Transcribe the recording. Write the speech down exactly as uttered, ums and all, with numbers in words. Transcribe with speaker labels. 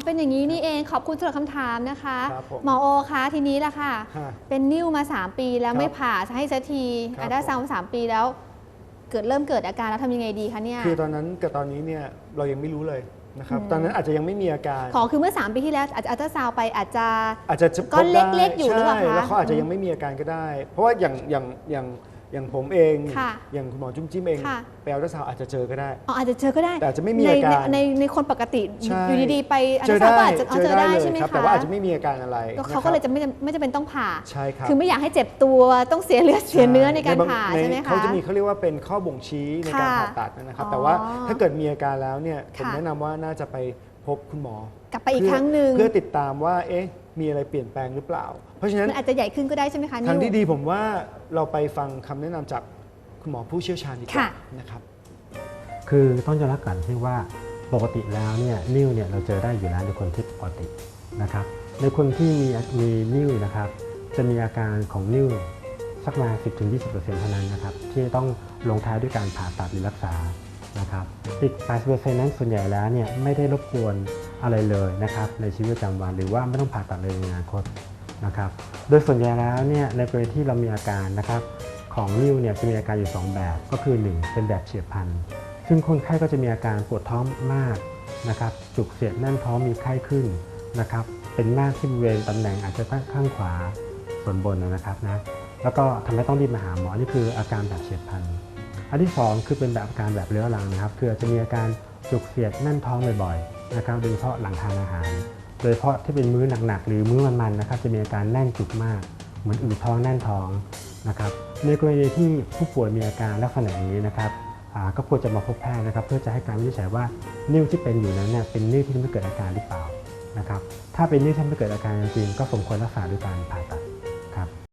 Speaker 1: เป็นอย่างนี้นี่เองขอบคุณสำหรับคำถามนะคะหมอโอคะทีนี้ล่ะค่ะ
Speaker 2: ฮะ
Speaker 1: เป็นนิ่วมาสามปีแล้ว
Speaker 2: ครับ
Speaker 1: ไม่ผ่าให้สักที
Speaker 2: ครับ
Speaker 1: อัลตราซาวด์สามปีแล้วเกิดเริ่มเกิดอาการแล้วทำยังไงดีคะเนี่ย
Speaker 2: คือตอนนั้นกับตอนนี้เนี่ยเรายังไม่รู้เลยนะครับ
Speaker 1: อืม
Speaker 2: ตอนนั้นอาจจะยังไม่มีอาการ
Speaker 1: ขอคือเมื่อสามปีที่แล้วอาจจะอัลตราซาวด์ไปอาจจะ
Speaker 2: อาจจะ
Speaker 1: ก้อน
Speaker 2: พบได้
Speaker 1: เล็กๆอยู่หรือเปล่า
Speaker 2: ใช่
Speaker 1: คะ
Speaker 2: แล้วเขาอาจจะยังไม่มีอาการก็ได้ เพราะว่าอย่างอย่างอย่างอย่างผมเอง
Speaker 1: ค่ะ
Speaker 2: อย่างคุณหมอจุ้มจิ้มเอง
Speaker 1: ค่ะ
Speaker 2: ไปอัลตราซาวด์อาจจะเจอก็ได้
Speaker 1: อ๋ออาจจะเจอก็ได้
Speaker 2: แต่อาจจะไม่มี
Speaker 1: ใน
Speaker 2: อาการ
Speaker 1: ในในในคนปกติ
Speaker 2: ใช่
Speaker 1: อยู่ดีๆไปอัล
Speaker 2: เจ
Speaker 1: ตรา
Speaker 2: อ
Speaker 1: ซาว
Speaker 2: ได้
Speaker 1: ด์ก็อาจจะเจอได้
Speaker 2: เลย
Speaker 1: ใช่ไหม
Speaker 2: ครับ
Speaker 1: คะ
Speaker 2: แต่ว่าอาจจะไม่มีอาการอะไร
Speaker 1: ก็เขา
Speaker 2: นะค
Speaker 1: ก็
Speaker 2: รับ
Speaker 1: เลยจะไม่ไม่จำเป็นต้องผ่า
Speaker 2: ใช่ครับ
Speaker 1: คือไม่อยากให้เจ็บตัวต้องเสียเลือดเสียเนื้อในการ
Speaker 2: บง
Speaker 1: ผ่า
Speaker 2: ใน
Speaker 1: ใช่ไหมคะ
Speaker 2: เขาจะมีเขาเรียกว่าเป็นข้อบ่งชี้ในการ
Speaker 1: ค่ะ
Speaker 2: ผ่าตัดนะครับ
Speaker 1: อ๋อ
Speaker 2: แต่ว่าถ้าเกิดมีอาการแล้วเนี่ยผม
Speaker 1: ค่ะ
Speaker 2: แนะนำว่าน่าจะไปพบคุณหมอก
Speaker 1: ลับไปอีกครั้งหนึ่ง
Speaker 2: เพื่อติดตามว่าเอ๊ะมีอะไรเปลี่ยนแปลงหรือเปล่า เพราะฉะนั้น
Speaker 1: มันอาจจะใหญ่ขึ้นก็ได้ใช่ไหมคะ
Speaker 2: ทาง
Speaker 1: นิ้ว
Speaker 2: ที่ดีผมว่าเราไปฟังคำแนะนำจากคุณหมอผู้เชี่ยวชาญดีกว่า
Speaker 1: ค่ะ
Speaker 2: นะครับ
Speaker 3: คือต้องยอมรับก่อนที่ว่าปกติแล้วเนี่ยนิ่วเนี่ยเราเจอได้อยู่แล้วในคนที่ปกตินะครับในคนที่มีมีนิ่วนะครับจะมีอาการของนิ่วสักประมาณ สิบถึงยี่สิบเปอร์เซ็นต์ เท่านั้นนะครับที่ต้องลงท้ายด้วยการผ่าตัดหรือรักษานะครับอีก แปดสิบเปอร์เซ็นต์ นั้นส่วนใหญ่แล้วเนี่ยไม่ได้รบกวนอะไรเลยนะครับในชีวิตประจำวันหรือว่าไม่ต้องผ่าตัดเลยในอนาคตนะครับโดยส่วนใหญ่แล้วเนี่ยในกรณีที่เรามีอาการนะครับของนิ่วเนี่ยจะมีอาการอยู่สองแบบก็คือหนึ่งเป็นแบบเฉียบพลัน ซึ่งคนไข้ก็จะมีอาการปวดท้องมากนะครับจุกเสียดแน่นท้องมีไข้ขึ้นนะครับเป็นมากที่บริเวณตำแหน่งอาจจะข้างขวาส่วนบนนะครับนะแล้วก็ทำให้ต้องรีบมาหาหมอนี่คืออาการแบบเฉียบพลันอันที่สองคือเป็นแบบอาการแบบเรื้อรังนะครับคืออาจจะมีอาการจุกเสียดแน่นท้องบ่อยๆนะครับโดยเฉพาะหลังทานอาหาร โดยเฉพาะที่เป็นมื้อหนักๆหรือมื้อมันๆนะครับจะมีอาการแน่นจุกมากเหมือนอืดท้องแน่นท้องนะครับในกรณีที่ผู้ป่วยมีอาการลักษณะนี้นะครับ ก็ควรจะมาพบแพทย์นะครับเพื่อจะให้การวินิจฉัยว่านิ่วที่เป็นอยู่นั้นเนี่ยเป็นนิ่วที่ไม่เกิดอาการหรือเปล่านะครับถ้าเป็นนิ่วที่ไม่เกิดอาการจริงๆก็สมควรรักษาด้วยการผ่าตัด